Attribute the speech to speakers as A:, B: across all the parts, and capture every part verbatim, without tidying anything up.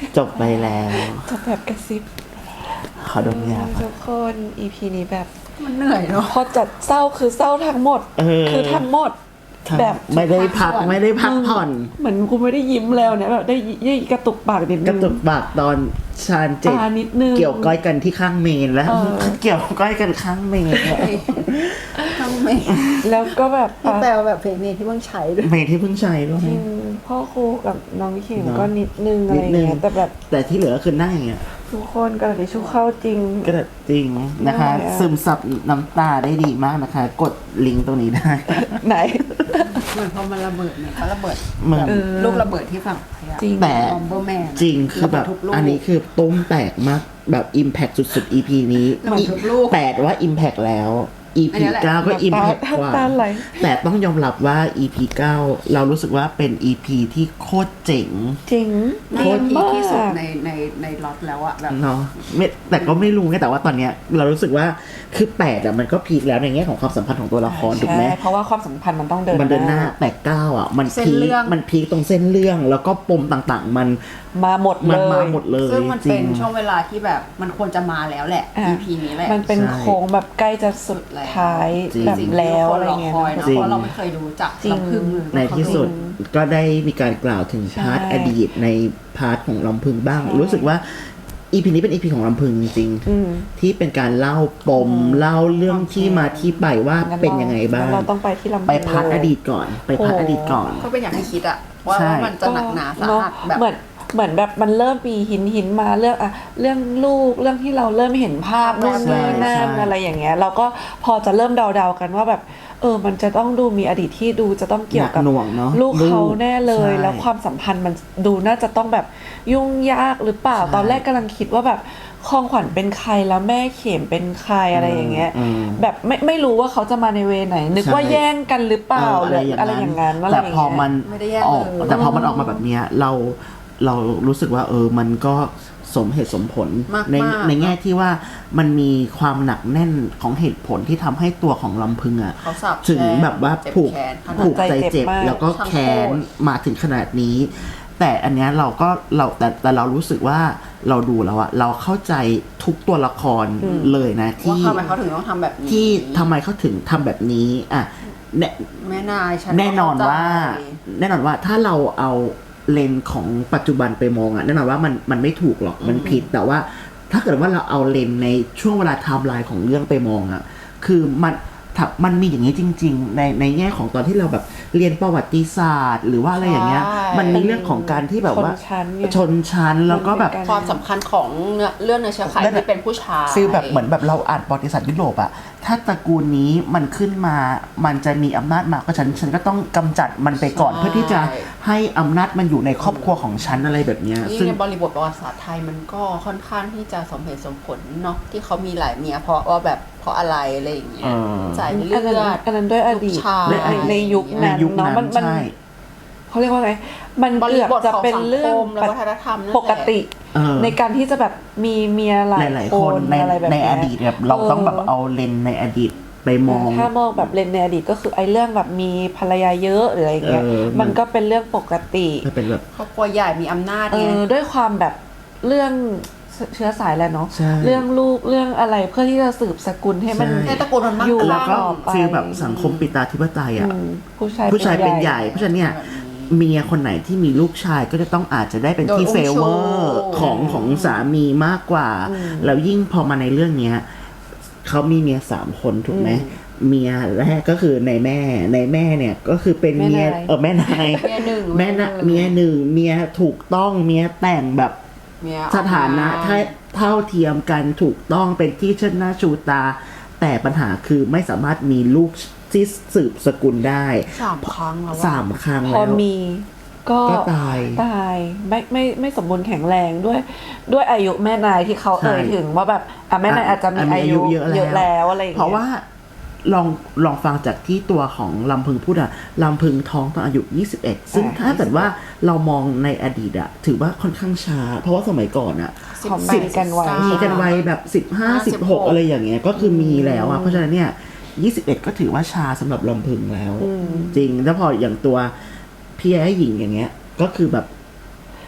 A: จบไปแล้ว
B: จบแบบกระซิบ
A: ขอดมยา
B: ทุกคน อี พี นี้แบบ
C: มันเหนื่อยเนาะ
B: พอจัดเศร้าคือเศร้าทั้งหมดคือทั้งหมดแบบ
A: ไม่ได้พักไม่ได้พักผ่อน
B: เหมือนกูไม่ได้ยิ้มแล้วเนี่ยแบบได้ยี่กระตุกปากนิดนึง
A: กระตุกปากตอนชาญเจ็ดเกี่ยวก้อยกันที่ข้างเมนแล้วเกี่ยวก้อยกันข้างเมน
C: ข้างเมน
B: แล้วก็แบบ
C: แต่แบบเพลงนี้ที่เพิ่งใช้ด้วย
A: เพลงที่เพิ่งใช้ด้วย
B: พ่อครูกับน้องขิงก็นิดนึงอะไรเงี้ยแต่แบบ
A: แต่ที่เหลือคือนั่งอย่างเงี้ย
B: ทุกคนกระดาษชูเข้าจริง
A: กระดาษจริงนะคะซึมซับน้ำตาได้ดีมากนะคะกดลิงก์ตรงนี้ได้
B: ไหน
C: เหมือนพอมันระเบิดเนี่ยเขาระเบิดแบบลูกระเบิดที่ฝั่ง
A: จริงแต่จริงคือแบบอันนี้คือตุ้มแตกมากแบบอิมแพคสุดๆ อี พี นี้แปดว่าอิมแพคแล้ว อี พี เก้าก็อิมแพคกว่าแต่ต้องยอมรับว่า อี พี เก้าเรารู้สึกว่าเป็น อี พี ที่โคตรเจ๋ง
B: จริง
C: โคตรที่สุดในในในล็อตแล้วอะแบบ
A: เนาะไม่แต่ก็ไม่รู้ไงแต่ว่าตอนเนี้ยเรารู้สึกว่าคือแปดอะมันก็พีคแล้วในแง่ของความสัมพันธ์ของตัวละครถูกไหม
B: เพราะว่าความสัมพันธ์มันต้องเดิน
A: มันเดินหน้าแต่เก้าอะมันพีคมันพีคตรงเส้นเรื่องแล้วก็ปมต่างๆมัน
B: มาหมดเลย
A: มาหมดเลย
C: ซึ่งมันเป็นช่วงเวลาที่แบบมันควรจะมาแล้วแหละ อี พี นี้แหละ
B: มันเป็นโค้งแบบใกล้จะสุดท้ายแบบแล้วอะไรเงี้ย
C: เพราะเราไม่เคยดูจักลำพึง
A: ในที่สุดก็ได้มีการกล่าวถึงพาร์ทอดีตในพาร์ทของลำพึงบ้างรู้สึกว่า อี พี นี้เป็น อี พี ของลำพึงจริงๆที่เป็นการเล่าปมเล่าเรื่องที่มาที่ไปว่าเป็นยังไงบ้าง
B: เราต้องไปที่ลำพึง
A: ไปพาร์ทอดีตก่อนไปพาร์ทอดีตก่อน
C: ก็เป็นอย่างที่คิดอะว่ามันจะหนักหนาสาหัสแบบ
B: เหมือนเหมือนแบบมันเริ่มมีหินหินมาเรื่องอะเรื่องลูกเรื่องที่เราเริ่มเห็นภาพนู่นนี่นั่นอะไรอย่างเงี้ยเราก็พอจะเริ่มเดาๆกันว่าแบบเออมันจะต้องดูมีอดีตที่ดูจะต้องเกี่ยวกับลูกเขาแน่เลยแล้วความสัมพันธ์มันดูน่าจะต้องแบบยุ่งยากหรือเปล่าตอนแรกกำลังคิดว่าแบบคองขวัญเป็นใครแล้วแม่เข็มเป็นใครอะไรอย่างเงี้ยแบบไม่ไม่รู้ว่าเขาจะมาในเวไหนนึกว่าแย่งกันหรือเปล่าหรืออะไรอย่างนั้น
A: แต่พอมันออกแต่พอมันออกมาแบบเนี้ยเราเรารู้สึกว่าเออมันก็สมเหตุสมผลในในแง่ที่ว่ามันมีความหนักแน่นของเหตุผลที่ทำให้ตัวของลำพึงอ่ะถึงแบบว่าผูกผูกใจเจ็บแล้วก็แค้นมาถึงขนาดนี้แต่อันเนี้ยเราก็เราแต่แต่เรารู้สึกว่าเราดูแล้วอะเราเข้าใจทุกตัวละครเลยนะที่
C: ทำไมเขาถึงต้องทำแบบนี้
A: ที่ทำไมเขาถึงทำแบบนี้อ่ะ
C: แม่นาย
A: แน่นอนว่าแน่นอนว่าถ้าเราเอาเลนของปัจจุบันไปมองอ่ะแน่นอนว่ามันมันไม่ถูกหรอกมันผิดแต่ว่าถ้าเกิดว่าเราเอาเลนในช่วงเวลาไทม์ไลน์ของเรื่องไปมองอ่ะคือมันมันมีอย่างนี้จริงๆในในแง่ของตอนที่เราแบบเรียนประวัติศาสตร์หรือว่าอะไรอย่างเงี้ยมันมีเรื่องของการที่แบบว่าชนชั้นแล้วก็แบบ
C: ความสำคัญของเรื่องในเชื้อสายที่เป็นผู้ชาย
A: ฟีลแบบเหมือนแบบเราอ่านประวัติศาสตร์ยุโรปอะถ้าตระกูลนี้มันขึ้นมามันจะมีอำนาจมาก็ฉันฉันก็ต้องกำจัดมันไปก่อนเพื่อที่จะให้อำนาจมันอยู่ในครอบครัวของฉันอะไรแบบเนี้ย
C: ซึ่งในบริบทประวัติศาสตร์ไทยมันก็ค่อนข้างที่จะสมเหตุสมผลเนาะที่เขามีหลายเมียเพราะว่าแบบเพราะอะไรอะไรอย่างเงี้ยสายเลือด
B: อันนั้นด้วยอดีตในในยุคนั้นเนาะมันมันเขาเรียกว่าไงมันเกือบจะเป็นเรื่องปกติในการที่จะแบบมีเมียหลายคน
A: ในในอดีตแบบเราต้องแบบเอาเลนในอดีตไปมอง
B: ถ้ามองแบบเลนในอดีตก็คือไอ้เรื่องแบบมีภรรยาเยอะหรืออะไรเงี้ยมันก็เป็นเรื่องปกติ
A: เป็นแบบ
C: ครอบครัวใหญ่มีอำนาจไง
B: ด้วยความแบบเรื่องเชื้อสายแหละเนาะเรื่องลูกเรื่องอะไรเพื่อที่จะสืบสกุลให้มัน
C: ให้ตระกูลมันมั่ง
A: คั่งแล้วก็ฟีลแบบสังคมปิตาธิปไตยอ่ะ
B: ผู้ชาย
A: ผู้ชายเป็นใหญ่เพราะฉะนั้นเนี่ยเมียคนไหนที่มีลูกชายก็จะต้องอาจจะได้เป็นที่เฟเวอร์ของของสามีมากกว่าแล้วยิ่งพอมาในเรื่องเนี้ยเขามีเมียสามคนถูกไหมเมียแรกก็คือในแม่ในแม่เนี่ยก็คือเป็นเมียเออแม่นายแม่นะเมียหนึ่งเมียถูกต้องเมียแต่งแบบสถานะเท่าเทียมกันถูกต้องเป็นที่เชิดหน้าชูตาแต่ปัญหาคือไม่สามารถมีลูกที่สืบสกุลได้
C: สามครั้งแล้ว
A: สามครั้งแล้ว
B: พอมีก็
A: ตาย
B: ตายไม่ไม่ไม่สมบูรณ์แข็งแรงด้วยด้วยอายุแม่นายที่เขาเอ่ยถึงว่าแบบอ่ะแม่นายอาจจะมีอายุเยอะแล้วอะไรอย่างเงี้ย
A: เพราะว่าลองลองฟังจากที่ตัวของลำพึงพูดอะลำพึงท้องตอนอายุยี่สิบเอ็ดซึ่งถ้าเกิดว่าเรามองในอดีตอะถือว่าค่อนข้างช้าเพราะว่าสมัยก่อนอะ
B: สิบกันไว้
A: มีกันไว้แบบสิบห้า สิบหกอะไรอย่างเงี้ยก็คือมีแล้วอะเพราะฉะนั้นเนี่ยยี่สิบเอ็ดก็ถือว่าช้าสำหรับลำพึงแล้วจริงแล้วพออย่างตัวพี่ไอ้หญิงอย่างเงี้ยก็คือแบบ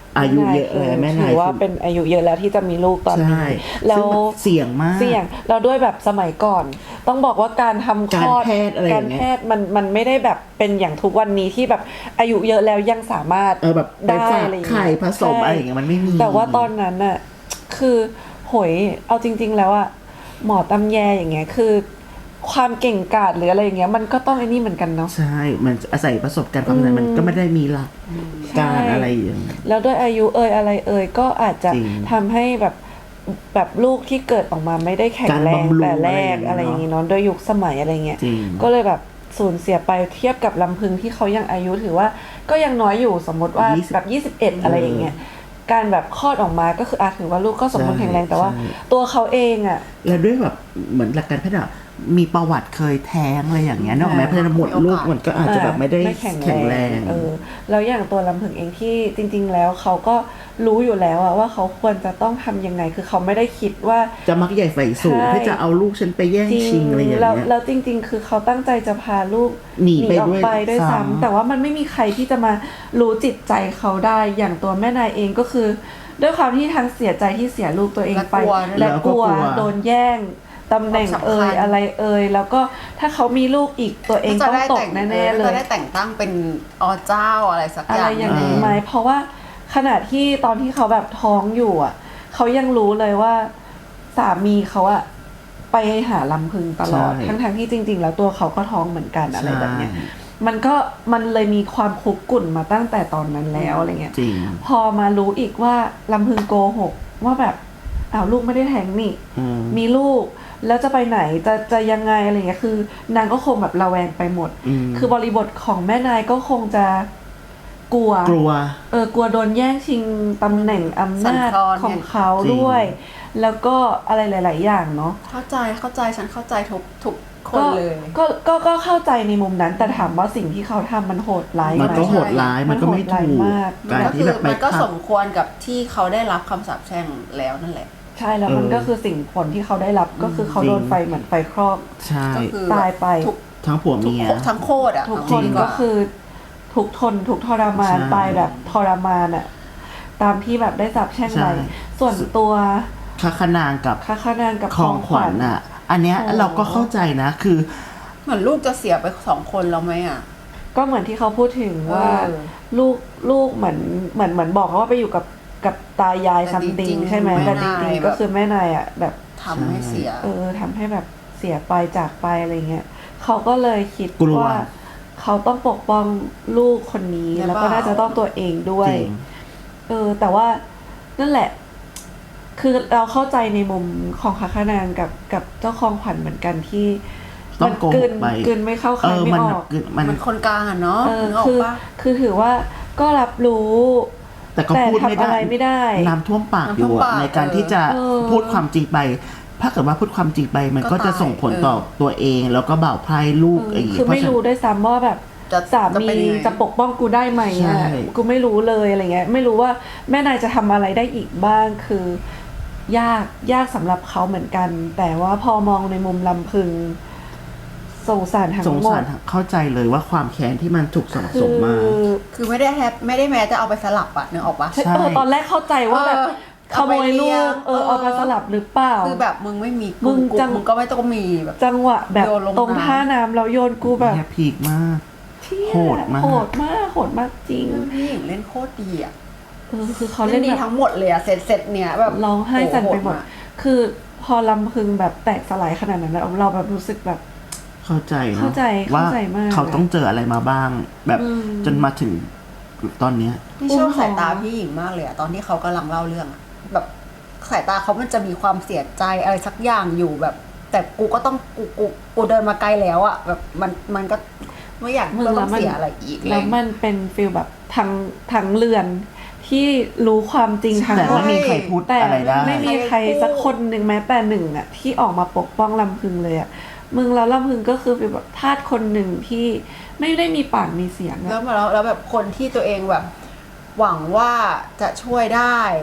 A: อายุเยอะแล้วแม่นาย
B: ถือว่าเป็นอายุเยอะแล้วที่จะมีลูกตอน
A: ใช่
B: นี้แล้ว
A: ซึ่งมันเสี่ยงมาก
B: เสี่ยงแล้วด้วยแบบสมัยก่อน ต้องบอกว่าการทำคลอด
A: การแพทย์อะไรอย่างเงี้ย
B: การแพทย์มันมันไม่ได้แบบเป็นอย่างทุกวันนี้ที่แบบอายุเยอะแล้วยังสามารถ
A: เออแบบไป
B: ได้
A: ฝาก
B: อะไรอย่าง
A: ไข่
B: เงี้ย
A: ผสมอะไรอย่างเงี้ยมันไม่มี
B: แต่ว่าตอนนั้นน่ะคือโหยเอาจริง ๆ แล้วอะหมอตำแยอย่างเงี้ยคือความเก่งกาจหรืออะไรอย่างเงี้ยมันก็ต้องไอ้นี่เหมือนกันเนาะ
A: ใช่มันอาศัยประสบการณ์ความนั้นมันก็ไม่ได้มีหลักการอะไรอย่างเงี้ย
B: แล้วด้วยอายุเอ่ยอะไรเอ่ยก็อาจจะ
A: จริง
B: ทำให้แบบแบบลูกที่เกิดออกมาไม่ได้แข็งแรง
A: การบำรุง
B: แต่แรก
A: อะ
B: อะไร ไรอย่
A: อา
B: ย่าง ง
A: เงี้
B: งี้
A: ย
B: เนาะด้วยยุคสมัยอะไรเงี้ย
A: จริง
B: ก็เลยแบบสูญเสียไปเทียบกับลำพึงที่เขายังอายุถือว่าก็ยังน้อยอยู่สมมติว่า
A: ยี่สิบ
B: แบบยี่สิบเอ็ดอะไรอย่างเงี้ยการแบบคลอดออกมาก็คืออาจถือว่าลูกก็สมบูรณ์
A: ใช่
B: แข็งแรงแต่ว่า
A: ใช่
B: ตัวเขาเองอ่ะ
A: แล้วด้วยแบบเหมือนหลักการแพทย์อะมีประวัติเคยแท้งอะไรอย่างเงี้ยเนกอะแม้เพราะฉะนั้นหมดลูกมันก็อาจจะแบบไม่ได้
B: ไม่แข็ง
A: แข็งแรง
B: เออแล้วอย่างตัวลำพึงเองที่จริง ๆ แล้วเขาก็รู้อยู่แล้วอะว่าเขาควรจะต้องทำยังไงคือเขาไม่ได้คิดว่า
A: จะมักใหญ่ไฟสูง
B: ใช่
A: ที่จะเอาลูกฉันไปแย่งชิงอะไรอย่าง
B: แล้ว
A: เงี้ย
B: แล้วจริง ๆ คือเขาตั้งใจจะพาลูก
A: หนีไป
B: ออก
A: ด้วย
B: ไปด้วย
A: ซ้ำ
B: ซ้ำแต่ว่ามันไม่มีใครที่จะมารู้จิตใจเขาได้อย่างตัวแม่นายเองก็คือ ด้วยความที่ทั้งเสียใจที่เสียลูกตัวเองไป
C: และกลัวด้วย
B: และกลัวโดนแย่งตำแหน่ง
C: ความสำคัญ
B: เอ่ยอะไรเอ่ยแล้วก็ถ้าเขามีลูกอีกตัวเองต้องตกแน่ๆเล
C: จะ
B: ย
C: ได้แต่งตั้งเป็นอเจ้าอะไรสัก
B: อะ
C: อ
B: ไร
C: ย่าง
B: อย่างนี้
A: เออ
B: ไหมเพราะว่าขณะที่ตอนที่เขาแบบท้องอยู่อ่ะเขายังรู้เลยว่าสามีเขาอ่ะไปหาลำพึงตลอด
A: ใช่
B: ทั้งๆที่จริง ๆ แล้วตัวเขาก็ท้องเหมือนกันอะไรแบบเนี้ย
A: ใช่
B: มันก็มันเลยมีความคุกกุ่นมาตั้งแต่ตอนนั้นแล้วอะไรเงี้ย
A: จริง
B: พอมารู้อีกว่าลำพึงโกหกว่าแบบอ้าวลูกไม่ได้แท้งนี่
A: อืม
B: มีลูกแล้วจะไปไหนจะจะยังไงอะไรเงี้ยคือนางก็คงแบบระแวงไปหมด
A: อืม
B: คือบริบทของแม่นายก็คงจะกลัว
A: กลัว
B: เออกลัวโดนแย่งชิงตำแหน่งอำนาจ
C: สั่นคลอน
B: ของเขา
A: จริง
B: ด้วย แล้วก็อะไรหลาย ๆ อย่างเนาะ
C: เข้าใจเข้าใจฉันเข้าใจทุกทุกค
B: ก็
C: นเลย
B: ก็ก็ก็เข้าใจในมุมนั้น แต่ถามว่าสิ่งที่เขาทำมันโหดร้าย
A: มัน
B: ไหม
A: ก็โหดร้าย มันก็ไม่
B: มันโหดร้าย
A: ถูก
B: มาก
A: การ
C: ก็
A: ที่
C: คือ
A: แบบไป
C: มันก็
A: ขั
C: ส
A: บ
C: มควรกับที่เขาได้รับคำสาปแช่งแล้วนั่นแหละ
B: ใช่แล้วมัน
A: เออ
B: ก็คือสิ่งผลที่เขาได้รับก็คือเขา
A: จริง
B: โดนไฟเหมือนไฟครอบ
A: ใช่
C: ก็คือ
B: ตายไป
C: ทุก
A: ทั้งผัว
C: ทุก
A: เมีย
C: ทั้งโคตรอ่ะ
B: ทุก
C: เอา
B: คน
C: จริง
B: ก็
C: ว่า
B: คือทุกทนทุกทรมาน
A: ใช่
B: ตายแบบทรมานอะตามที่แบบได้สาปแช่ง
A: ใช่
B: ไว้ส่วนตัว
A: คาขนางกับ
B: ค้าขนางกับ
A: คลองขวัญอ่ะ อันเนี้ย
B: โอ้
A: เราก็เข้าใจนะ คือ
C: เหมือนลูกจะเสียไปสองคนแล้วไหมอ่ะ
B: ก็เหมือนที่เขาพูดถึงว่า
C: เออ
B: ลูกลูกเหมือนเหมือนเหมือนบอกเขาว่าไปอยู่กับกับตายาย
C: แต่
B: ซัม
C: จ
B: ติ
C: ริ
B: ง
C: งๆ
B: ใช่ไหม
C: แม่
B: แต่จ
C: นาย
B: ริงๆ
C: แบบ
B: ก็คือแม่นายอ่ะแบบ
C: ทำให้เสีย
B: เออทำให้แบบเสียไปจากไปอะไรเงี้ยเขาก็เลยคิด
A: กลัว
B: ว่าเขาต้องปกป้องลูกคนนี้
C: หรือเปล่า
B: แล้วก็น่าจะต้องตัวเองด้วย
A: จริง
B: เออ แต่ว่านั่นแหละ คือเราเข้าใจในมุมของคาคานางกับกับเจ้าของขวัญเหมือนกันที่
A: ต้
B: มั
A: องโกห
B: กลื
A: ก
B: น
A: ไป
B: กลืนไม่เข้า
A: เอ
B: คาย
A: อ
B: ไม่
A: มัน
B: อ
A: แบ
B: อบ ก
A: คือมัน
C: มันคนกลางอ่ะเนาะ
B: เออ
C: นึกออ
B: คื
C: ก
B: อ
C: ปะ
B: คือถือว่าก็รับรู้
A: แต่ก็
B: แต่
A: พูดไม่
B: ทำอะไร
A: ได้
B: ไม่ได้
A: น้ำท่วมปากอยู่
C: น้ำท่วม
A: อะ
C: ปาก
A: ในการที่จะ
B: เออ
A: พูดความจริงไป ถ้าเกิดว่าพูดความจริงไป มัน
C: ก็
A: ก็จะ
C: ตาย
A: ส่งผล
C: เออ
A: ต่อตัวเอง แล้วก็บ่าวไพร่ลูก
B: เออ
A: อะไรอย่าง
B: คือ
A: เงี้ยเพราะ
B: ไม่
A: ฉะ
B: รู้
A: นั้น
B: ด้วยซ้ำว่าแบบ
C: จะ
B: สา
C: จะ
B: มี
C: เป็นยังไง
B: จะปกป้องกูได้ไหม
A: ใช่
B: อ่ะกูไม่รู้เลยอะไรเงี้ย ไม่รู้ว่าแม่นายจะทำอะไรได้อีกบ้างคือ ยากยากสำหรับเขาเหมือนกัน แต่ว่าพอมองในมุมลำพึงสงสารทั้ง
A: สง
B: หม
A: สาร
B: ด
A: เข้าใจเลยว่าความแค้นที่มันถูกสั่งสมมา
B: คือ
C: คือไม่ได้แฮปไม่ได้แม้จะเอาไปสลับอะนึกออกปะ
B: ใช่
A: ใช่
B: เออตอนแรกเข้าใจว่าแบบ
C: เออ
B: ขโมยลู
C: เอาไปเลี้ย
B: ก
C: ง
B: เออ
C: เออ
B: เอามาสลับหรือเปล่า
C: คือแบบมึงไม่มี
B: มึ
C: กู
B: ง
C: กู
B: จัง
C: มึงก็ไม่ต้องมีแบบ
B: จังหวะแบบ
C: โยนลง
B: ตรง
C: น้ำ
B: ท่าน้ำแล้วโยนกูแบบ
A: แค่พีกมาก
B: เที่ย
A: โหดมาก
B: โหดมากโหดมากจริง
C: พี่หญิงเล่นโคตรดีอะ
B: เออคือเขา
C: เล่
B: เล่
C: น
B: น
C: ดี
B: แบบ
C: ทั้งหมดเลยอะเสร็จเสร็จเนี่ยแบบ
B: ร้องไห้สั่นไปหมด
C: โโาก
B: คือพอลำพึงแบบแตกสลายขนาดนั้นแล้วเราแบบรู้สึกแบบ
A: เข้าใจเนาะ
B: เข้าใจ
A: ว่า
B: เข้าใจมาก
A: เขาต้องเจออะไรมาบ้าง แบบ
B: อืม
A: จนมาถึงตอนเนี้ย
C: นี่ชอบ
B: อุ้ม
C: สายตา
B: ท้อง
C: พี่หญิงมากเลยอะตอนที่เขากำลังเล่าเรื่องอะแบบสายตาเขามันจะมีความเสียใจอะไรสักอย่างอยู่แบบ แต่กูก็ต้องกูกูกูเดินมาไกลแล้วอะแบบมันมันก็ไม่อยาก
B: มึง
C: ต้
B: แล้
C: อ
B: ว
C: ง
B: มัน
C: เสียอะไรอีกเล
B: แล้
C: ยว
B: มันเป็นฟีลแบบทั้งทั้งเรือนที่รู้ความจริงทั้ง
A: แต่
B: หมด
A: ไม่มีใครพูด
B: แต่
A: อะไรได้
B: ไม่มีใครสักคนหนึ่งแม้แต่หนึ่งอ่ะที่ออกมาปกป้องลำพึงเลยอ่ะมึงแล้วลำพึงก็คือเป็นแบบทาสคนหนึ่งที่ไม่ได้มีปากมีเสียง
C: แล้
B: อะ
C: วมาแล้วแล้วแบบคนที่ตัวเองแบบ หวังว่าจะช่วยได้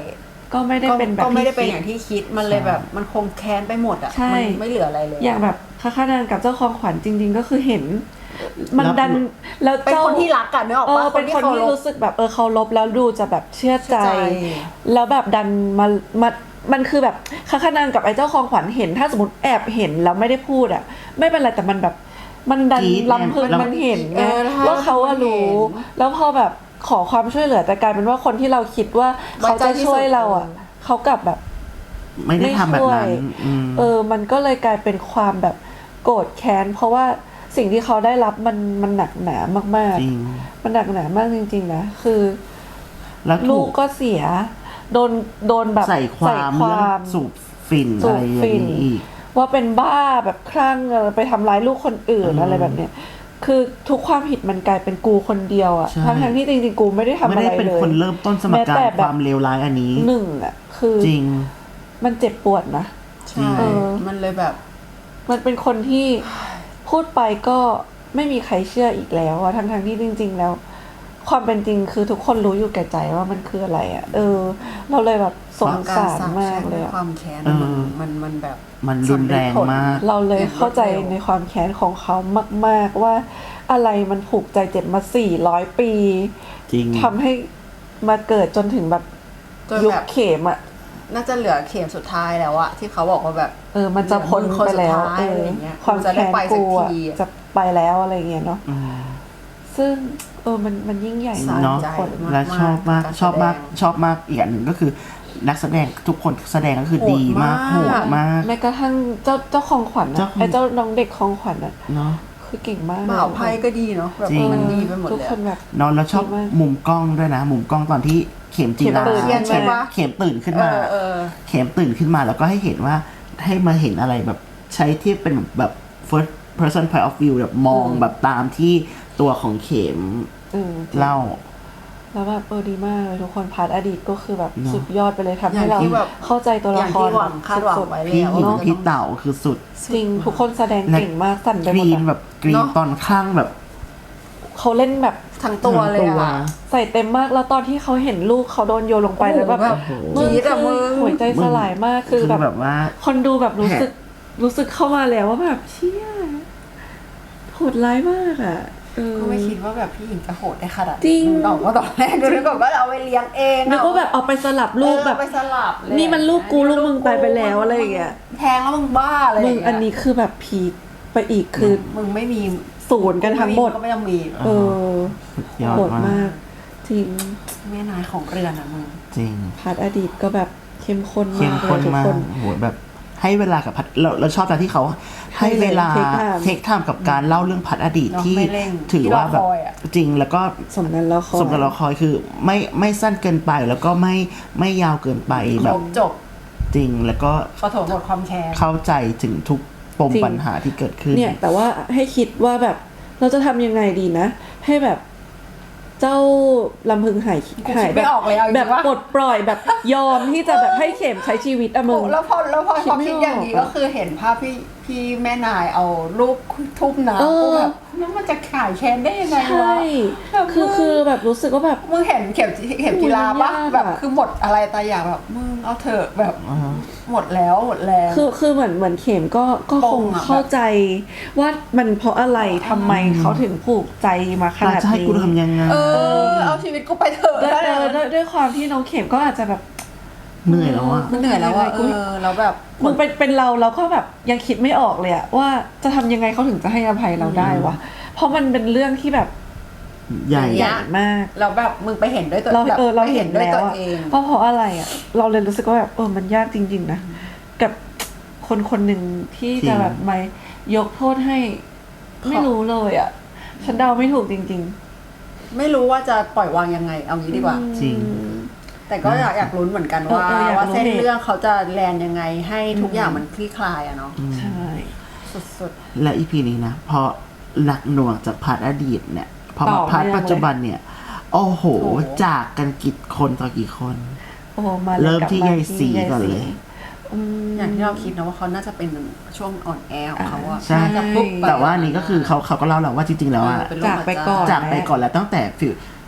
B: ก็ไม่ได้เป็นแบบ
C: ก็ไม่ได้เป็น
B: ที่
C: อ
B: คิ
C: ย่างที่คิดมันเลยแบบมันคงแค้นไปหมดอ่ะ
B: ใช่
C: มันไม่เหลืออะไรเลย
B: อย่างแบบค้าขานางกับเจ้าของขวัญจริง ๆ ก็คือเห็น มันดันแล้ว
C: เป็น
B: เจ้า
C: คนที่รักกันนึกออก
B: เอ
C: ปะ
B: อเป็นคนที่
C: เคารพ
B: รู้สึกแบบเออเคารพแล้วดูจะแบบเชื่อใจ
C: เชื่อใจ
B: แล้วแบบดันมามามันคือแบบค้าขานางกับไอ้เจ้าของขวัญเห็น ถ้าสมมติแอบเห็นแล้วไม่ได้พูดอ่ะ ไม่เป็นไรแต่มันแบบมันดัน
A: กรี๊ด
B: ลำพึง
A: แล้ว
B: มันเห็นไง
C: เออถ้า
B: ว่าเขาอะรู้
C: มันเห็น
B: แล้วพอแบบขอความช่วยเหลือแต่กลายเป็นว่าคนที่เราคิดว่าเขาจะช่วยเราอ่ะเขากลับแบบ
A: ไม่ได้ทำแบบนั้นอืม
B: เออ มันก็เลยกลายเป็นความแบบโกรธแค้น เพราะว่าสิ่งที่เขาได้รับมันมันหนักหนามาก
A: จริง
B: ๆ มันหนักหนามากจริงๆนะ คือ
A: แล้ว
B: ลู
A: ถู
B: ก
A: ก
B: ก็เสีย โดนโดนแบบ
A: ใส่ความเรื่องสูบฝิ่น
B: สู
A: อะไร
B: บ
A: อย่า
B: ฝิ่
A: ง
B: น
A: นี้อีก
B: ว่าเป็นบ้าแบบคลั่งเออไปทำร้ายลูกคนอื่น
A: อืม
B: อะไรแบบเนี้ย คือทุกความผิดมันกลายเป็นกูคนเดียวอะ
A: ใช่
B: ทั้งๆที่จริงๆกูไม่ได้ทำ
A: ไม่
B: อะไร
A: ได้เป็น
B: เลย
A: คนเริ่มต้นสม
B: แม้
A: การ
B: แต่แบบ
A: ความเลวร้ายอันนี้
B: หนึ่งอะคือ
A: จริง
B: มันเจ็บปวดนะ
C: ใช่
B: เออ
C: มันเลยแบบ
B: มันเป็นคนที่พูดไปก็ไม่มีใครเชื่ออีกแล้วอะทั้งๆที่จริง ๆ แล้ว ความเป็นจริงคือทุกคนรู้อยู่แก่ใจว่ามันคืออะไรอะเออ เราเลยแบบสงสารมากเลยอะ
C: ความแค้น
A: เออ
C: มันมันมันแบบ
A: มันรุนแรงมาก
B: เราเลยเข้าใจในความแค้นของเขามาก ๆ ว่าอะไรมันผูกใจเจ็บมาสี่ร้อยปี
A: จริง
B: ทำให้มาเกิดจนถึงแบบ
C: จน
B: ยุค
C: แบบ
B: เข็มอะ
C: น่าจะเหลือเข็มสุดท้ายแล้วอะที่เขาบอกว่าแบบ
B: เออ มันจะพ้นไปแล้ว
C: เหลือมือคนสุดท้าย
B: เอ
C: อะไร
B: อ
C: อย่างเงี้ย
B: ความ
C: จะได้
B: แค้น
C: ไปสั
B: กู
C: ก
B: อะ
C: ทีอะ
B: จะไปแล้วอะไรเงี้ยเนาะ
A: อืม
B: ซึ่งเออมันมันยิ่งใหญ่มาก
A: เนาะ
C: ใจ
B: คน
A: และชอบมาก
C: การแสดง
A: ชอบมากชอบมากอีกอันหนึ่งก็คือนักแสดงทุกคนแสดงก็คือ
C: โหด
A: ดีมาก
C: มาก
A: โหดมาก
B: แม้กระทั่งเจ้าเจ้าของขวัญ
A: เจ้า
B: อะ
A: ของ
B: ไอ้เจ้าน้องเด็กของขวัญอะ
A: เนาะ
B: คือเก่งมาก
C: บ่าวไพ่ก็ดีเนาะแบบ
A: จริง
C: มันดีไปหมด
B: ทุก
C: เลย
B: คนแบบ
A: เนาะแล้วชอบ
B: ดีมาก
A: มุมกล้องด้วยนะ มุมกล้องตอนที่เข็มจีรา
B: เข็มตื่น
A: เข็ม
C: ใช่ปะ
A: เข็มตื่นขึ้น
C: เอ
A: มา
C: อเออ
A: เข็มตื่นขึ้นมาแล้วก็ให้เห็นว่าให้มาเห็นอะไรแบบใช้ที่เป็นแบบ first person point of view แบบมอง
C: อืม
A: แบบตามที่ตัวของเข็ม
B: เออ
A: เล่า
B: แล้วแบบเออดีมากเลยทุกคนพาร์ทอดีตก็คือแบบ
A: เนอะ
B: สุดยอดไปเลยทำ
C: อย่า
B: ให้
C: ง
B: เรา
C: ที่แบบ
B: เข้าใจตัว
C: อ
B: ละ
C: ย่าง
B: คร
C: ที่หวังคาดหวัง
B: สุด
C: ไว้
A: พี่
C: แล้ว
A: หญิง
C: ว่า
A: พี่เต่าคือสุด
B: ๆจริงทุกคนแสดงเก่งมากสั่นไป
A: ก
B: หมด
A: รีน
B: อะ
A: แบบกรีน
C: เนอะ
A: ตอนข้างแบบ
B: เขาเล่นแบบ
C: ทั้งตัวเลย
A: ทั้ง
C: อะ
B: ใส่เต็มมากแล้วตอนที่เขาเห็นลูกเขาโดนโยนลงไป
C: โอ้โห
B: แล้วแบบ
C: แบบ
B: มึง
C: กรี๊ดอะ
B: คือ
C: มึง
B: หัวใจสลายมากคือ
A: คือ
B: แบบ
A: แบบว่า
B: คนดูแบบรู้สึกรู้สึกเข้ามาแล้วว่าแบบเชี่ยโหดร้ายมากอ่ะเออ
C: ก็ไม่คิดว่าแบบพี่หญิงจะโหดได้ขนาด
B: จริง
C: ตอนว่าตอนแรกก็นึกว่าเอาไปเลี้ยงเอง
B: นึกว่าแบบเอาไปสลับลูก
C: เออ
B: แบบ
C: ไปสลับเลย
B: นี่มันลูกกูลูกมึงตายไปแล้วอะไรอย่างเงี้ย
C: แทงแล้วมึงบ้าอะไร
B: มึ
C: ย่าง เงี้ย
B: อันนี้คือแบบพีคไปอีกคือ
C: มึงไม่มี
B: ศูนย์กันทั้งหมด
C: ก็ไม่ต้องมี
B: เออ
A: สุดยอด
B: โหด
A: มาม
B: าก กจริง
C: แม่นายของเรือนอะมึง
A: จริง
B: พาร์ทอดีตก็แบบเข้มข้น
A: เข้
B: มาม กเล
A: ข้น
B: ยทุก
A: มา
B: ค
A: ก
B: น
A: โหแบบให้เวลากับพัดเราเราชอบตอนที่เขาให้เวลา
B: ให้เลย take time
A: เทคไทม์กับการเล่าเรื่องพัดอดีต
C: เนอะ
A: ที่
C: ไม่เร่ง
A: ถือว่าแบบ
C: ที่รอคอยอะ
A: จริงแล้วก็
B: สมกันแล้วคอย
A: สมกับเราคอยคือไม่ไม่สั้นเกินไปแล้วก็ไม่ไม่ยาวเกินไป
C: ค
A: แบ
C: ร
A: บบ
C: จบ
A: จริงแล้วก็
C: ปฐมบทความแค้น
A: เข้าใจถึงทุกปม
B: จริง
A: ปัญหาที่เกิดขึ้น
B: เนี่ยแต่ว่าให้คิดว่าแบบเราจะทำยังไงดีนะ ให้แบบเจ้าลำพึงหาย
C: กู
B: หาย
C: คิด
B: แบ
C: ไม่
B: บ
C: ออกเลยเอาจริง
B: แบบ
C: ว่า
B: ปลดปล่อยแบบยอมที่จะแบบให้เข็มใช้ชีวิตอะมึง
C: แล้วพอแล้วพอ
B: คิด
C: พอ
B: ไม่
C: คิด
B: ออก
C: อย่างนี้
B: อะ
C: ก็คือเห็นภาพพี่พี่แม่นายเอารูปทุ่มน้ำ
B: เออ
C: กูแบบแล้วมันจะขายแค้นได้ยังไง
B: ใช่
C: วะแบบ
B: คือ
C: มึง
B: คือแบบรู้สึกว่าแบบ
C: มึงเห็นเข็มเข็มกีฬาปะ
B: มันยากอะ
C: แบบคือหมดอะไรตายอยากแบบมึงเอาเถอะแบบ
A: อ่าฮะ
C: หมดแล้วหมดแรง
B: คือคือเหมือนเหมือนเข็มก็ก็
C: ป
B: ค
C: ม
B: ง
C: อะ
B: เข้าใจว่ามันเพราะอะไรทำไมเขาถึงผูกใจมาข
A: เรา
B: นาด
A: จะให้
B: นี้
A: กูทำยังไง
C: เออ เอาชีวิตกูไปเถอะ
B: ด้วยเออด้วยด้วยความที่น้องเข็มก็อาจจะแบบ
A: เหนื่อยแล้วอ่ะ
C: มันเหนื่อยแล้วอะเออแล้วแบบ
B: มึงเป็นเป็นเราเราก็แบบยังคิดไม่ออกเลยอะว่าจะทำยังไงเขาถึงจะให้อภัยเราได้วะเพราะมันเป็นเรื่องที่แบบ
A: ใหญ่
B: ใหญ่มาก
C: เราแบบมึงไปเห็นด้วยตัว
B: เรา
C: แบบ
B: เออเรา
C: ไป
B: เห็น
C: ด้วย
B: แล้
C: ตัว ว
B: อะ
C: เอง
B: เพราะเพราะอะไรอะเราเลยรู้สึกว่าแบบเออมันยากจริง ๆนะกับคนคนหนึ่งที่จะแบบมายกโทษให้ไม่รู้เลยอะฉันเดาไม่ถูกจริง
C: ไม่รู้ว่าจะปล่อยวางยังไง เอางี้ดีกว่า
B: ๆ
A: จริง
B: อืม
C: แต่ก็อยากอยากลุ้นเหมือนกันว่า
B: เออเอออยาก
C: ว่า
B: รู้
C: เส้น
B: เหตุ
C: เรื่องเขาจะแลนยังไงให้ทุกอย่างมันคลี่คลายอะเนาะ
B: ใช่
C: สุด
A: และอีพีนี้นะพอหนักหน่วงจากพาร์ทอดีตเนี่ยพอ
B: ต่
A: มา
B: อ
A: พาร์ท
B: เนื่อง
A: ปัจจุบันเนี่ย โอ้โห
C: โอ้โห
A: จากกันกี่คนต่อกี่คน
B: โอ้โหมาลย
A: เริ่ม
B: กลับ
A: ที่
B: ม
A: ยายศรี
B: ที่
A: ก่อนเลย
B: อืม
C: ๆ อย่างที่เราคิดนะว่าเขาน่าจะเป็นช่วงอ่อนแอของเขาอะ
A: ใช่
C: น่าจะปุ๊บ
A: แต่ว่าอันนี้ก็คือเขาเขาก็เล่าแล้วว่าจริงๆแล้วอะ
C: เออเป็นโรค
B: จากไปก่อน
A: จากไปก่อนแล้วตั้งแต่ฟิล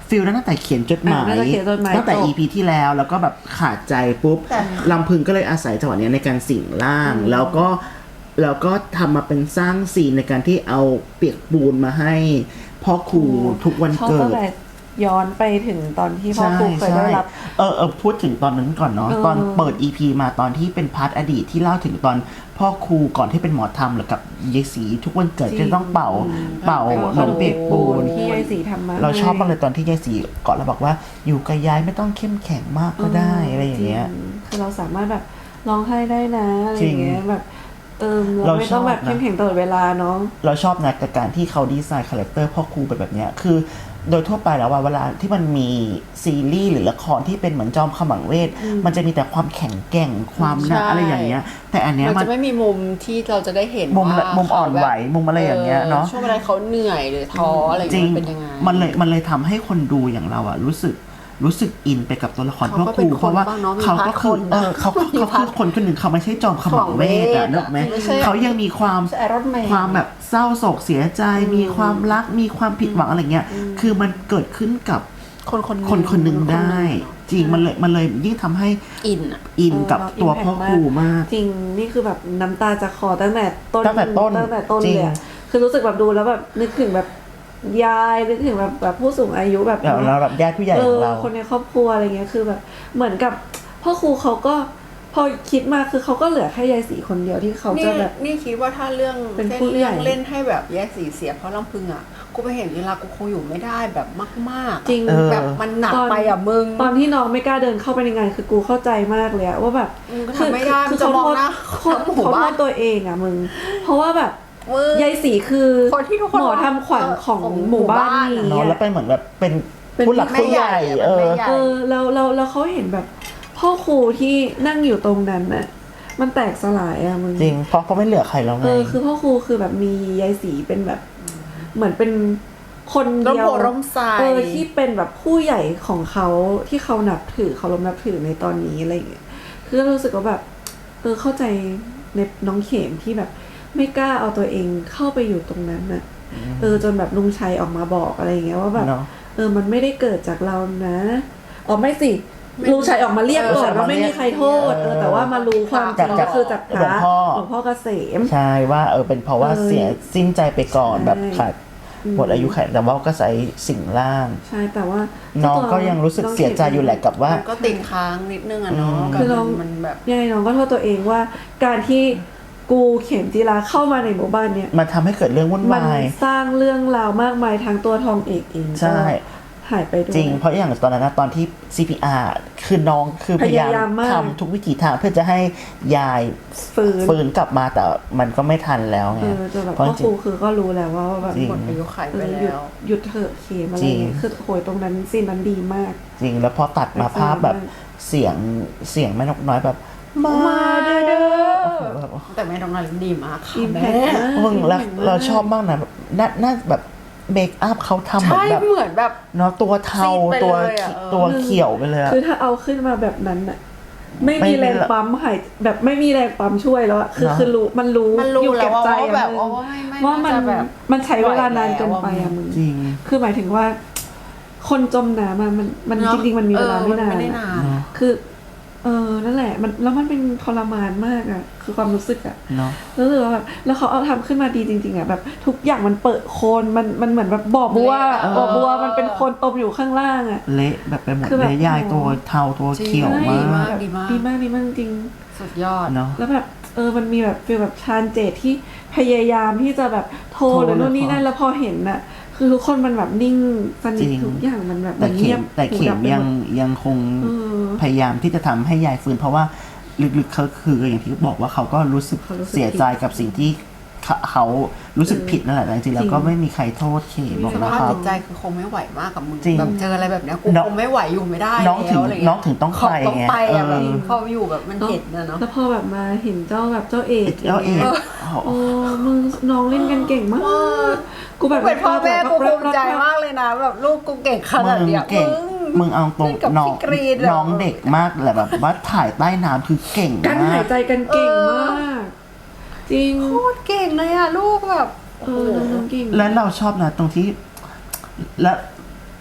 A: ฟิลนั้นตั้งแต่เขียนจดหมาย
B: อ่ะน่าจะเขียนจดหมาย
A: ตั้งแต่
B: จบ
A: อี พี ที่แล้วแล้วก็แบบขาดใจปุ๊บ
C: แต่
A: ลำพึงก็เลยอาศัยจังหวะเนี้ยในการสิงร่าง แล้วก็แล้วก็ทำมาเป็นสร้างซีนในการที่เอาเปียกปูนมาให้พ่อครูทุกวัน
B: ชอบ
A: เกิ
B: ตั้ง
A: ด
B: แต่ย้อนไปถึงตอนที่พ่อครูเคยได้รับ
A: เออเออพูดถึงตอนนั้นก่อนเนาะ
B: เออ
A: ตอนเปิด อี พี มาตอนที่เป็นพาร์ทอดีตที่เล่าถึงตอนพ่อครูก่อนที่เป็นหมอธรรมหรือกับยายศรีทุกวันเกิดจะต้องเป่าเป่าขนมเปียกปูน
B: ที่ยายสีทำมา
A: เราชอบมากเลยตอนที่ยายศรีก่อนเราบอกว่าอยู่กับยายไม่ต้องเข้มแข็งมากก็ได้อะไรอย่างเงี้ย
B: จริคือเราสามารถแบบร้องไห้ได้นะอะไรอย่างเงี้
A: จริ
B: ย
A: ง
B: แบบเออ
A: เรา
B: เราไม่ต้องแบบ
A: ชอบนะ
B: เข้มแข็งตลอดเวลาเนาะ
A: เราชอบนะกับการที่เขาดีไซน์คาแรคเตอร์พ่อครูเป็นแบบเนี้ยคือโดยทั่วไปแล้วว่าเวลาที่มันมีซีรีส์หรือละครที่เป็นเหมือนจอมขมังเวท มันจะมีแต่ความแข็งแกร่งความหนัก
D: ใช่
A: อะไรอย่างเงี้ย แต่อันเนี้ย
D: มัน
A: มัน
D: จะไม่มีมุมที่เราจะได้เห็น
A: มุม
D: ว่า
A: มุมอ่อน
D: เขาแบบ
A: ไหวมุมอะไรอย่างเงี้ยเนาะ
D: ช่วงเวลาเขาเหนื่อยหรือท้ออะไรอย่าง
A: จริ
D: เงี้
A: ง
D: ยเป็นยังไง
A: มันเลยมันเลยทำให้คนดูอย่างเราอะรู้สึกรู้สึกอินไปกับตัวละคร
C: เขา
A: พ่อ
C: ก็
A: ค
C: เป็
A: รู
C: นคน
A: เพราะว่า
C: บ้างเนอะมี
A: เขาก็คือ
C: พาร์ทคน
A: เออเขาก็
C: มี
A: เขา
C: พา
A: คื
C: ร์
A: อ
C: ท
A: คนคนหนึ่งเขาไม่ใช่จอมขมังเวทอะ
C: ขมังเวท
A: นึกไหม
C: ไม่ใช่
A: เขายังมีความ
C: ใช่ Iron Man
A: ความแบบเศร้าโศกเสียใจ มีความรักมีความผิดหวังอะไรเงี้ยคือมันเกิดขึ้นกับ
C: คนคน
A: คนคนหนึ่งได้
C: เนอะ
A: จริงมันเลยมันเลยยิ่งทำให้
C: อินอะ
A: อินกับ
B: เออ
A: ตัว
B: impact
A: พ่อครูมาก
B: จริงนี่คือแบบน้ำตาจะคลอตั้งแต่ต้น
A: ตั้งแต่ต้น
B: ตั้งแต่ต้น
A: จริง
B: เลยอะคือรู้สึกแบบดูแล้วแบบนึกถึงแบบยายนึกถึงแบบแบบผู้สูงอายุแบบ
A: แบบเราแบบญาติผู้ใหญ่
B: เอ
A: ของ
B: อ
A: เรา
B: คนในครอบครัวอะไรเงี้ยคือแบบเหมือนกับพ่อครูเขาก็พอคิดมาคือเขาก็เหลือแค่ยายสีคนเดียวที่เขา
C: นี่
B: จะแบบ
C: นี่คิดว่าถ้าเรื่อง
B: เป็น
C: เส้น
B: ผู้ใหญ่
C: เรื่องเล่นให้แบบแยกสีเสียเพราะลำพึงอ่ะกูไปเห็นเวลากูคงอยู่ไม่ได้แบบมากๆอะ
B: จริง
A: เออ
C: แบบมันหนัก
B: ตอน
C: ไปอ่ะมึง
B: ตอนที่น้องไม่กล้าเดินเข้าไปในงานคือกูเข้าใจมากเลยอะว่าแบบ
C: มึงก็ทำไม่ได้มึงจะ
B: เขา
C: มอง
B: โทษ
C: หน้า
B: เขา
C: ทั้งหมู่
B: เขาโท
C: บ้าน
B: ษตัวเองอะมึง เพราะว่าแบบ
C: มึง
B: ยายสีคือ
C: คนที่ทุกคน
B: หมอทำขวัญของ
C: ของ
B: หมู่บ้าน
C: หมู่บ้านอะ
B: นี้
A: เนาะ
B: อะ
A: แล้วเป็นเหมือนแบบเป็น
B: เป็น
A: ผู้หลักผู้ใหญ่
C: แม่ใหญ่อะ
A: เอ
C: แม่
A: อ
C: ใหญ่
B: เออแล้วแล้วแล้วเขาเห็นแบบพ่อครูที่นั่งอยู่ตรงนั้นน่ะมันแตกสลายอะมึง
A: จริงเพราะเขาไม่เหลือใครแล้วไง
B: เออคือพ่อครูคือแบบมียายสีเป็นแบบ เหมือนเป็นคนเดียว
C: ร่มโพร่มไทร
B: เออที่เป็นแบบผู้ใหญ่ของเขาที่เขานับถือเขารพนับถือในตอนนี้อะไรอย่างเงี้ยคือรู้สึกว่าแบบ เออเข้าใจในน้องเข็มที่แบบ ไม่กล้าเอาตัวเองเข้าไปอยู่ตรงนั้นน่ะเออจนแบบลุงชัยออกมาบอกอะไรอย่างเงี้ยว่าแบบ
A: เนาะ
B: เออมันไม่ได้เกิดจากเรานะอ๋อไม่สิลุงชัยออกมาเรียกก่อนว่าไม่มีใครโทษเออแต่ว่ามารู้ความจริงก็คือจากพ
A: หลว
B: ระ
A: งพ่อ
B: หลวงพ่อเกษม
A: ใช่ว่าเออเป็นเพราะว่า
B: เออ
A: เสียสิ้นใจไปก่อน
B: ใช่
A: แบบขาดหมดอายุไขแต่ว่าก็ใส่สิ่งล่าง
B: ใช่แต่ว่า
A: น้องก็ยังรู้สึกเสียใจอยู่แหละกับว่า
C: มันก็ติดค้างนิดนึงอะเนาะ
A: อืม
C: กับ
B: คือน้อง
C: มันแบบ
B: ยังไงน้องก็โทษตัวเองว่าการที่กูเข็มจีราเข้ามาในหมู่บ้านเนี่ย
A: มันทำให้เกิดเรื่องวุ่น
B: มัน
A: วาย
B: สร้างเรื่องราวมากมายทางตัวทองเอกเอง
A: ใช่
B: ก็หายไปด้วย
A: จริง เพราะอย่างตอนนั้นนะตอนที่ ซี พี อาร์ คือน้องคือพยายาม
B: พยายามมาก
A: ทำทุกวิถีทางเพื่อจะให้ยาย
B: ฟื้น
A: ฟื้นกลับมาแต่มันก็ไม่ทันแล้วไง
B: เออจนแบบ
A: เพราะ
B: พ่อ
A: จ
B: ค
A: ริ
B: รู
A: ง
B: คือก็รู้แล้วว่าแบบ
A: จริง
C: หมดอายุไข
B: เอ
C: ไป
B: อหยุด
C: แล้ว
B: หยุดเถอะเข็มอะไร
A: จริง
B: เงี้ยคือโหยตรงนั้นซีนนั้นดีมาก
A: จริงแล้วพอตัดมาภาพแบบเสียงเสียงแม่นกน้อยแบบ มาเด้อเด้อ
C: แต่แม่น้องนารินดีมากค่ะ
B: อิมแพ
C: แม่
B: คมาก
A: มึงแล้วเราชอบมากนะแบบน่าน่าแบบเมคอัพเขาทำเหมือ
C: ใช่
A: นแบบ
C: เหมือนแบบ
A: เนาะตัวเทา
C: ซีดไป
A: ตัว
C: เลยอะเออ
A: ตัวเขียวไปเลยอะ
B: คือถ้าเอาขึ้นมาแบบนั้นอะไม่
A: ไม่
B: มี
A: มี
B: แรง
A: ละ
B: ปั๊มหายแบบไม่มีแรงปั๊มช่วยแล้วอะคือ
A: เนอะ
B: คือรู้มันรู้
C: มันรู้
B: อยู่
C: แล้
B: เก็
C: ว
B: บ
C: ว่า
B: ใจ
C: ว่าแบบ
B: อะ
C: ว่าไม่ไม่
B: ว่ามัน
C: น่าจะแบบ
B: มันใช้เวลานานเกินไปอะมึง
A: จริง
B: คือหมายถึงว่า คนจมน้ำอะมันมัน
C: เนอะ
B: จริงๆมันมีเวลาไม่นาน
C: เออมันไม่ได้
B: อะ
C: นาน
A: เนาะ
B: คือ เออนั่นแหละมันแล้วมันเป็นทรมานมากอะคือความรู้สึกอะ
A: เนาะ
B: รู้สึกว่าแบบแล้วเขาเอาทำขึ้นมาดีจริงๆอะแบบทุกอย่างมันเปิดโคนมันมันเหมือนแบบบ่อบัว
C: เออ
B: บ่อบัวมันเป็นโคนตมอยู่ข้างล่างอะ
A: เละแบบไปหมด
B: คือแบบ
A: เลยยายตัวเทาตัวเขียว
C: จริง
A: มาก
C: มาก ดีมาก
B: ดีมากดีมากจริง
C: สุดยอด
A: เนาะ
B: แล้วแบบเออมันมีแบบฟีลแบบชานเจตที่พยายามที่จะแบบโทร
A: โทร
B: หรือนู่นนี่
A: แล้วพอ
B: นั่นแล้วพอเห็นน่ะ คือทุกคนมันแบบนิ่งสนิท
A: จริง
B: ทุกอย่างมันแบบ
A: แต่
B: มัน
A: เข็
B: เงีย
A: ม
B: บ
A: แต่เข็
B: หูดั
A: ม
B: บไป
A: ยัง
B: หมด
A: ยังคง
B: เออ
A: พยายามที่จะทำให้ยายฟื้นเพราะว่าลึกๆเขาคืออย่างที่บอกว่าเขาก็รู้สึก
B: เขารู้สึก
A: เสียใจกับสิ่งที่เขาเขารู้สึกผิดนั่นแหละแต่จริงๆแล้วก็
B: จริง
A: ไม่มีใครโทษเข็มบอก
C: ส
A: นะ
C: ภาพ
A: ครับ
C: จิตใจคือคงไม่ไหวมากกับมึง
A: จริง
C: แบบเจออะไรแบบเนี้ยกู
A: น้อง
C: คงไม่ไหวอยู่ไม่ได้
A: น้องถึง
C: แล้วอะไรเงี้ย
A: น้องถึงต้องไป
C: ต้อง
A: ไง
C: ไปอะแบบ
A: เออ
C: พออยู่แบบมันเห็นนะเนาะ
B: แล้วพอแบบมาเห็นเจ้าแบบเจ้าเอก
A: เจ้าเอก
B: โอ้มึงน้องเล่นกันเก่งมาก
C: เออ
B: กูแบบ
C: เป็นพ่อแม่กูภูมิใจ
B: รักๆ
C: มากเลยนะแบบลูกกูเก่งขนาด
A: มึง
C: เนี้ย
A: เก่ง มึงเอาตรง
C: เล่นกับ
A: น้อง
C: พี่กรีนอะ
A: น้องเด็กมากแหละแบบว่าถ่ายใต้น้ำคือเก่ง
B: การ
A: มา
B: หาก ยใจกันเก่งมาก จริง
C: โคตรเก่งเลยอะลูกแบบ
B: เออน้องๆเก่ง
A: แล้วเราชอบนะตรงที่ และ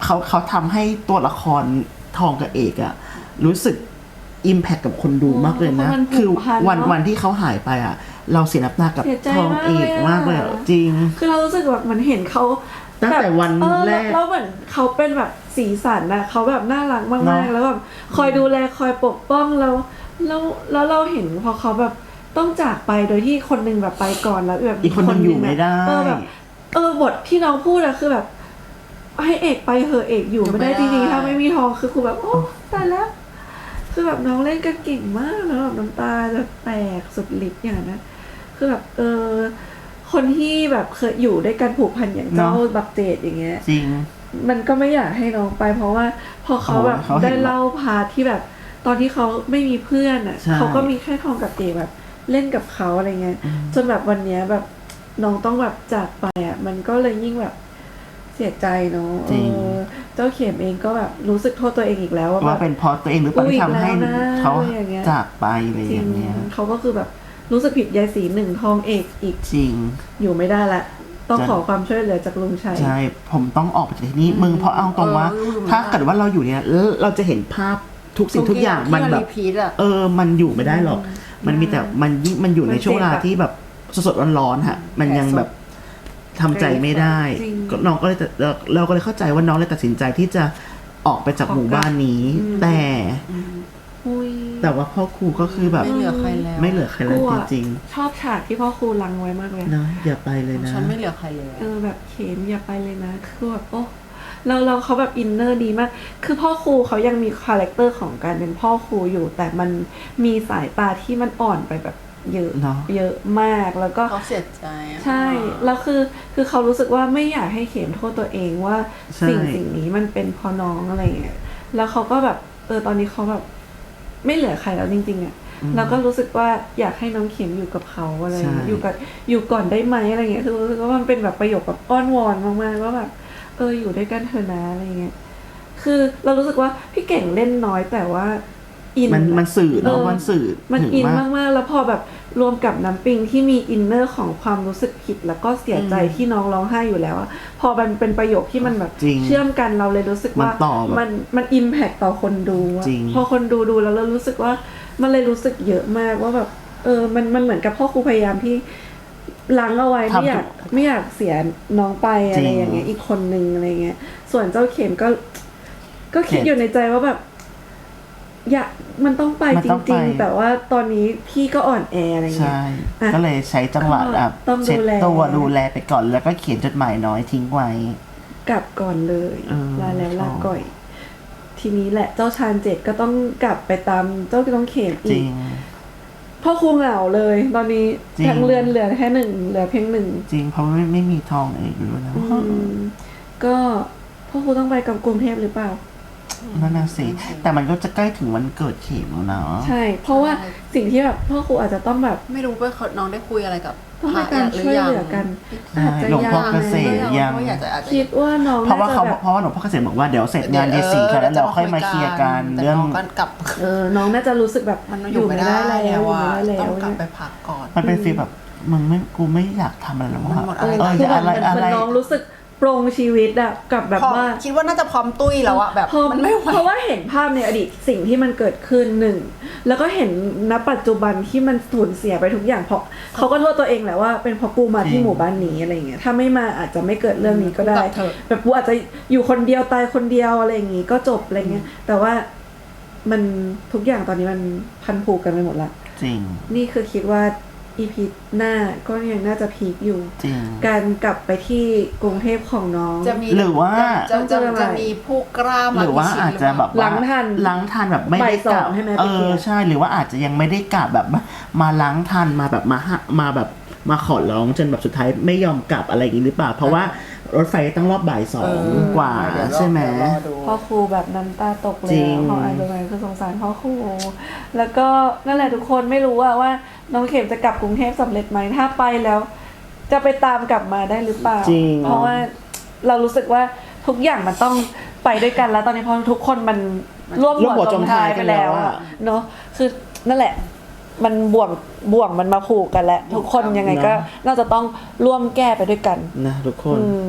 A: เขาเขาทำให้ตัวละครทองกับเอกอะรู้สึกอิมแพคกับคนดูมากเลยนะ
B: เพราะมันผูก
A: คือ
B: พัน
A: วัน
B: เนอะ
A: วันที่เขาหายไปอะเราเสียน้ำตากับ
B: เสียใจ
A: ทองเอก
B: มาม
A: าก ก
B: เล
A: เลย ย
B: อะ
A: อะจริง
B: คือเรารู้สึกแบบมันเห็นเขา
A: ตั้งแต่วัน
B: เออ
A: แรก
B: แล้วเหมือนเขาเป็นแบบสีสันนะเขาแบบน่ารักมาก
A: เนอะ
B: ๆแล้วแบบคอยดูแลคอยปกป้องเราแล้วแล้วเราเห็นพอเขาแบบต้องจากไปโดยที่คนหนึงแบบไปก่อนแล้วแบบ
A: อีกคนหนึ่งอยู่ไม่ได้
B: เออแบบเออบทที่น้องพูดอะคือแบบให้เอกไปเหอะเอกอยู่ไม่ได้จริงๆถ้าไม่มีทองคือครูแบบโอ้ตายแล้ว คือแบบน้องเล่นกันเก่งมากแล้วแบบน้ำตาจะแตกสุดฤทธิ์อย่างนั้นนะคือแบบเออคนที่แบบเคยอยู่ด้วยกันผูกพันอย่างเจ้า
A: เนอะ
B: บักเจดอย่างเงี้ย
A: จริง
B: มันก็ไม่อยากให้น้องไป เพราะว่าพอเขาแบบ
A: โอ้เขาเห็น
B: ได้เล่าพาร์ทที่แบบ ตอนที่เขาไม่มีเพื่อนอ่ะ
A: ใช่
B: เขาก็มีแค่ทองกับเจดแบบเล่นกับเขาอะไรเงี้ยจนแบบวันเนี้ยแบบน้องต้องแบบจากไปอ่ะมันก็เลยยิ่งแบบเสียใจเนาะ
A: จริง
B: เออเจ้าเข็มเองก็แบบรู้สึกโทษตัวเองอีกแล้วว่าแบ
A: ว่า
B: บ
A: เป็นเพราะตัวเองหรือเปล่า
B: อุ๊ย
A: ที่ทำให้
B: อีกแล้วนะ
A: เขา
B: อะไรอย่างเงี้ย
A: จากไปอะไร
B: จริ
A: อง ย่างเงี้ย
B: เขาก็คือแบบรู้สึกผิดยายสีหนึ่งทองเอกอีก
A: จริง
B: อยู่ไม่ได้ละต้อง
A: จะ
B: ขอความช่วยเหลือจากลุงชัย
A: ใช่ผมต้องออกไปจากที่นี่มึงเพราะเอาตรงว่า
C: เอออยู่ไม่ได้
A: ถ้าเกิดว่าเราอยู่เนี่ยแล้วเราจะเห็นภาพทุกสิ่งทุกอย่างมันแบบ
C: รีพีทอะ
A: เออ มันอยู่ไม่ได้หรอก มันมีแต่มันยิ่งมันอยู่ในช่วงเวลาที่แบบสดๆร้อนๆฮะ มันยังแบบทำใจไม่ได้
B: จริง
A: ก็น้องก็เลยตัดเราเราก็เลยเข้าใจว่าน้องเลยตัดสินใจที่จะออกไปจากหมู่บ้านนี้
B: อืม
A: แต่
B: อุ้ย
A: แต่ว่าพ่อครูก็คือแบบ
C: ไม่เหลือใครแล้ว
A: ไม่เหลือใครแล้ว
B: กลัว
A: จริง
B: ชอบฉากที่พ่อครูลังไว้มากเลย
A: ๆนะอย่าไปเลยนะ
C: ฉันไม่เหลือใครเลย
B: เออแบบเข็มอย่าไปเลยนะคือแบบโอ้เราเราเขาแบบอินเนอร์ดีมาก คือพ่อครูเขายังมีคาแรคเตอร์ของการเป็นพ่อครูอยู่ แต่มันมีสายตาที่มันอ่อนไปแบบเยอะ
A: เนอะ
B: เยอะมากแล้วก็
C: เขาเสียใจอะ
B: ใช่ แล้วคือคือเขารู้สึกว่าไม่อยากให้เข็มโทษตัวเองว่า
A: ใช่
B: สิ่งสิ่งนี้มันเป็นเพอน้องอะไรเงี้ย แล้วเขาก็แบบเออตอนนี้เขาแบบไม่เหลือใครแล้วจริงๆอ่ะแล้วก็รู้สึกว่าอยากให้น้องเข็มอยู่กับเขาอะไรเงี้ย
A: ใช่
B: อยู่กับอยู่ก่อนได้ไหมอะไรเงี้ยคือรู้สึกว่ามันเป็นแบบประโยคแบบอ้อนวอนมากๆว่าแบบเอออยู่ด้วยกันเถอะนะอะไรเงี้ย คือเรารู้สึกว่าพี่เก่งเล่นน้อยแต่ว่าอิน
A: มัน
B: อะ
A: มันสื่อเนาะ
B: เออ
A: มันสื่อ
B: มัน
A: ถึง
B: อิน
A: มาก
B: มากๆ แล้วพอแบบรวมกับน้ำปิงที่มีอินเนอร์ของความรู้สึกผิด แล้วก็เสียใจที่น้องร้องไห้อยู่แล้วอะพอมันเป็นประโยคที่มันแบบ
A: จริง
B: เชื่อมกันเราเลยรู้สึกว่า
A: มันต่อแบบ
B: มันมันอิมแพคต่อคนดูอะ
A: จริง
B: พอคนดูดูแล้วเรารู้สึกว่ามันเลยรู้สึกเยอะมากว่าแบบเออมันมันเหมือนกับพ่อครูพยายามที่ล้างเอาไว้ไม่อยากไม่อยากเสียน้องไปอะไรอย่างเงี้ยอีกคนนึงอะไรเงี้ย ส่วนเจ้าเข็มก็ ก็คิดอยู่ในใจว่าแบบ อยากมันต้องไป
A: มัน
B: จ
A: ต้องไป
B: ริง ๆ แต่ว่าตอนนี้พี่ก็อ่อนแออะไรเงี้
A: ใช่
B: ย อ่ะ
A: ก็เลยใช้จังหวะ
B: ก็
A: อ่ะ
B: ต้อง
A: เช็ด
B: ดูแล
A: ตัวดูแลไปก่อนแล้วก็เขียนจดหมายน้อยทิ้งไว้
B: กลับก่อนเลย
A: เออ
B: ลาแล้วลา
A: ชอบ
B: ก่อย ทีนี้แหละเจ้าชาญเจ็ดก็ต้องกลับไปตามเจ้าต้องเข็ม
A: จ
B: อี
A: ริ
B: ก
A: ง
B: พ่อครูเหงาเลย ตอนนี้
A: จริง
B: ทั้งเรือนเหลือแค่หนึ่งเหลือเพียงหนึ่ง
A: จริงเพราะไม่ไม่มีทองเอกอยู่แล้ว
B: อืมก็พ่อครูต้องไปกับกรุงเทพหรือเปล่า
A: นั่นน่ะสิแต่มันก็จะใกล้ถึงวันเกิดเข็มแล้วนะ
B: ใช่ เพราะว่าสิ่งที่แบบพ่อครูอาจจะต้องแบบ
C: ไม่รู้ว่าเขาน้องได้คุยอะไรกับ
B: ต้องให้การช่วยเหลือกัน
A: ใช่
B: อาจจะ
A: หลวงพ่อเกษม
C: ยั
A: ยัง
C: งอยากจะอาจจะ
B: คิดว่าน้อง
A: เพราะว่า
B: น่าจะ
A: เขา
B: แบบ
A: เพราะว่าหลวงพ่อเกษมบอกว่าเดี๋ยวเสร็จงานเยสีค่ะแล้วเราค่อยมาเคลียร์กัน
C: แต่
A: เรื่อง
C: น้องก็กลับ
B: เออน้องน่าจะรู้สึกแบบ
C: มันอยู่ไม่ได้
B: แล้
C: แล้ว ว
B: อยู่
C: อะ
B: ไม่ได้แล้
C: ต้
B: ว
C: องกลับไปพักก่อน
A: มันเป็นฟีลแบบมึงไม่กูไม่อยากทำอะไรแล้ว
C: มัน
A: ว่า
C: หมด
B: เอ
C: อะไร
B: อ
A: เออ
B: คือ
A: จะ
B: แบบ
A: อะไร
B: เหมือน
A: อะไร
B: น้องรู้สึกปรงชีวิตอะกับแบบ
C: พอ
B: ว่า
C: คิดว่าน่าจะพร้อมตุ้ยแล้วอะแบบ
B: พอ
C: มันไม่ไหว
B: เพราะว่าเห็นภาพในอดีตสิ่งที่มันเกิดขึ้นหนึ่งแล้วก็เห็นณปัจจุบันที่มันสูญเสียไปทุกอย่างเพราะเขาก็โทษตัวเองแหละว่าเป็นเพราะกูมาที่หมู่บ้านนี้อะไรเงี้ยถ้าไม่มาอาจจะไม่เกิดเรื่องนี้ก็ได้
C: กลับเถอะ
B: แบบกูอาจจะอยู่คนเดียวตายคนเดียวอะไรอย่างงี้ก็จบอะไรเงี้ยแต่ว่ามันทุกอย่างตอนนี้มันพันผูกกันไปหมดละ
A: จริง
B: นี่คือคิดว่าอีพีหน้าก็ยังน่าจะพีคอยู่
A: จริง
B: การกลับไปที่กรุงเทพของน้อง
C: จะมี
A: หรือว่า
C: จะ
B: ต้องเจ
C: จะ
B: ออะไร
C: จะมีผู้กล้า
A: ห
C: มา
A: รือว่า
C: พิชิต
A: อาจจะแบบ
B: หลั
A: ว่าง
B: ทัน
A: ล้างทันแบบไม่ได้
B: บ่ายส
A: ก
B: อ
A: ลั
B: ง
A: บ
B: ให้แม่
A: เอ
B: ไปเคลี
A: อย
B: ร์
A: ใช่หรือว่าอาจจะยังไม่ได้กลับแบบมามาล้างทันมาแบบมาหามาแบบมาขอร้องจนแบบสุดท้ายไม่ยอมกลับอะไรอย่างนี้หรือเปล่า เพราะว่ารถไฟต้องรอบบ่ายสองกว่า
C: เดี๋ยวรอ
A: ใช่ไหม
C: เดี๋ยวรอดู
B: พ่อครูแบบน้ำตาตกเล
A: จริ
B: ย
A: ง
B: พออ่านตรงนั้นคือสงสารพ่อครูแล้วก็นั่นแหละทุกคนไม่รู้ว่าว่าน้องเข็มจะกลับกรุงเทพสำเร็จไหมถ้าไปแล้ว จะไปตามกลับมาได้หรือเปล่า
A: จริง
B: เพราะว่าเรารู้สึกว่าทุกอย่างมันต้องไปด้วยกันแล้วตอนนี้เพราะทุกคนมันร่วม
A: ร่วมหั
B: หั
A: ว
B: ว
A: จ
B: จ
A: ม
B: ม
A: ท้า
B: ท้าย ย
A: กั
B: ไป
A: นแล้
B: แล้ว ว
A: อะ
B: อะเนาะคือนั่นแหละ มันบ่วงบ่วงมันมาผูกกันแล้วทุกคนยังไงก็น่าจะต้องร่วมแก้ไปด้วยกัน
A: นะทุกคน
B: อืม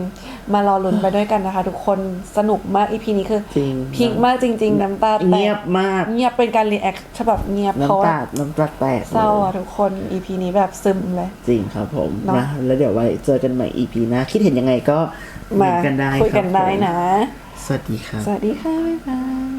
B: มารอลุ้นไปด้วยกันนะคะ ทุกคนสนุกมาก อี พี นี้คือ
A: จริง
B: พีคมากจริง ๆ น้ำตาแตก
A: เงียบมาก
B: เงียบเป็นการรีแอคฉบับเงียบเพราะ
A: น้ำ
B: ว่า
A: ตาน้ำตาแตก
B: เศร้า
A: ลย
B: อ่ะทุกคน อี พี นี้แบบซึมเลย
A: จริงครับผม
B: เนอะ
A: นะแล้วเดี๋ยวไว้เจอกันใหม่ อี พี หน้าคิดเห็นยังไงก็
B: มา
A: เนกันได้
B: คุยกัน
A: รับ
B: ได้
A: ผม
B: นะ
A: สวัสดีครับ
B: สวัสดีค่ะบ๊ายบาย